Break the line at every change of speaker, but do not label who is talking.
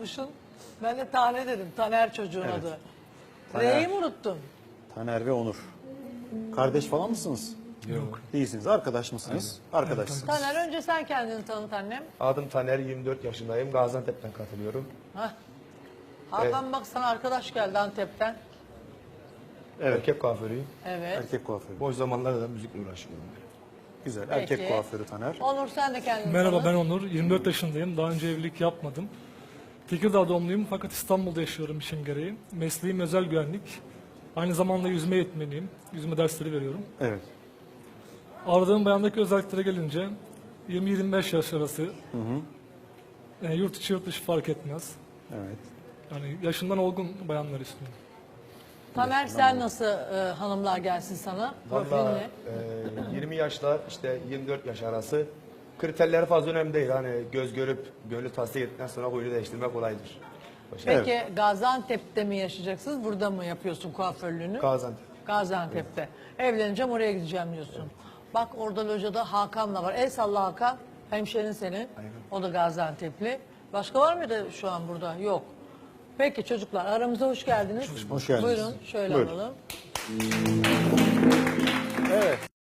yazmışsın. Ben de Tane dedim. Taner çocuğun
Evet.
adı.
Taner.
R'yi mi unuttun?
Taner ve Onur. Kardeş falan mısınız?
Yok.
Değilsiniz. Arkadaş mısınız? Arkadaşsınız.
Taner, önce sen kendini tanıt annem.
Adım Taner, 24 yaşındayım. Gaziantep'ten katılıyorum.
Hah. Hakan bak sana arkadaş geldi Antep'ten.
Evet.
Erkek kuaförüyüm.
Evet.
Erkek kuaförü.
Boş zamanlarda da müzikle uğraşıyorum.
Güzel.
Peki.
Erkek kuaförü Taner.
Onur sen de kendini
Merhaba,
tanıt.
ben Onur. 24 yaşındayım. Daha önce evlilik yapmadım. Tekirdağ doğumluyum fakat İstanbul'da yaşıyorum işim gereği. Mesleğim özel güvenlik. Aynı zamanda yüzme eğitmeniyim. Yüzme dersleri veriyorum.
Evet.
Aradığım bayandaki özelliklere gelince 20-25 yaş arası. Yurt içi yurt dışı fark etmez.
Evet.
Yani yaşından olgun bayanlar istiyorum.
Taner sen nasıl hanımlar gelsin sana? Profilin
Valla
ne?
20 yaşla işte 24 yaş arası. Kriterleri fazla önemli değil. Hani göz görüp gönlü tasdik ettikten sonra huyunu değiştirmek kolaydır.
Peki Gaziantep'te mi yaşayacaksınız? Burada mı yapıyorsun kuaförlüğünü?
Gaziantep.
Gaziantep'te. Evleneceğim oraya gideceğim diyorsun. Bak orada locada Hakan'la var. El salla Hakan. Hemşerin senin. O da Gaziantep'li. Başka var mıydı şu an burada? Yok. Peki çocuklar aramıza hoş geldiniz.
Hoş geldiniz.
Buyurun şöyle
Buyurun.
alalım.
Evet.